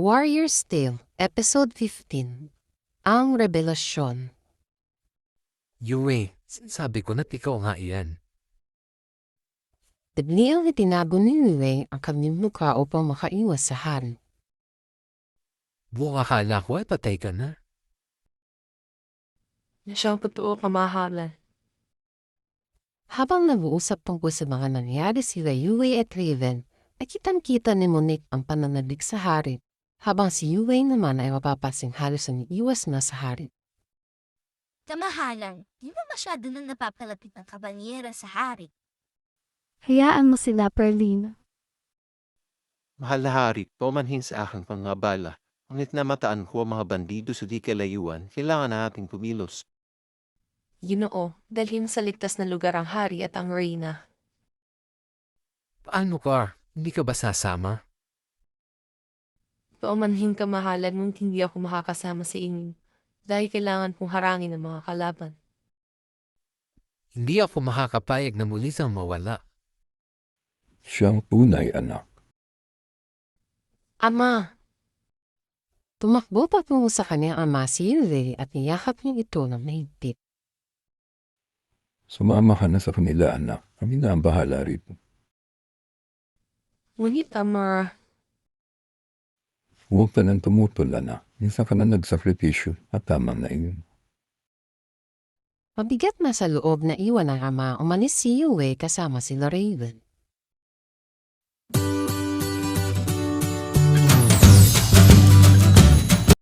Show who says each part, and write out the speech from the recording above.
Speaker 1: Warrior's Tale, Episode 15. Ang Rebelasyon.
Speaker 2: Yue, sinasabi ko na't ikaw nga iyan.
Speaker 1: Biglang itinago ni Yue ang kanyang mukha upang makaiwas sa hari.
Speaker 2: Buong akala ko ay patay ka na.
Speaker 3: Na siyang totoo kamahalan.
Speaker 1: Habang nag-uusap tungkol sa mga nangyari sila Yue at Raven, ay kitang-kita ni Monique ang pananalig sa hari, habang si Yue naman ay mapapasing halos ang iwas na sa hari.
Speaker 4: Kamahalan, di ba masyado nang napapalapit ng kabanyera sa hari?
Speaker 5: Hayaan mo sila, Perlin.
Speaker 6: Mahal na hari, paumanhin sa aking pangabala. Ngunit namataan ko ang mga bandido sa di kalayuan, kailangan na ating pumilos.
Speaker 3: Ginoo, dalhin sa ligtas na lugar ang hari at ang reyna.
Speaker 2: Paano ka? Hindi ka ba sasama?
Speaker 3: Paumanhin kamahalan nung hindi ako makakasama sa inyo. Dahil kailangan kong harangin ang mga kalaban.
Speaker 2: Hindi ako makakapayag na muli siyang mawala.
Speaker 7: Siyang tunay, anak.
Speaker 3: Ama!
Speaker 1: Tumakbo patungo sa kanyang ama si Yue at niyakap niya ito ng mahigpit.
Speaker 7: Sumama ka na sa kanila, anak. Kami na ang bahala rito.
Speaker 3: Ngunit, Ama,
Speaker 7: Huwag ka nang tumutol, anak. Minsan ka na nagsakripisyo at tama na iyon.
Speaker 1: Mabigat na sa loob na iwan ng ama, umalis si Yue kasama sila Raven.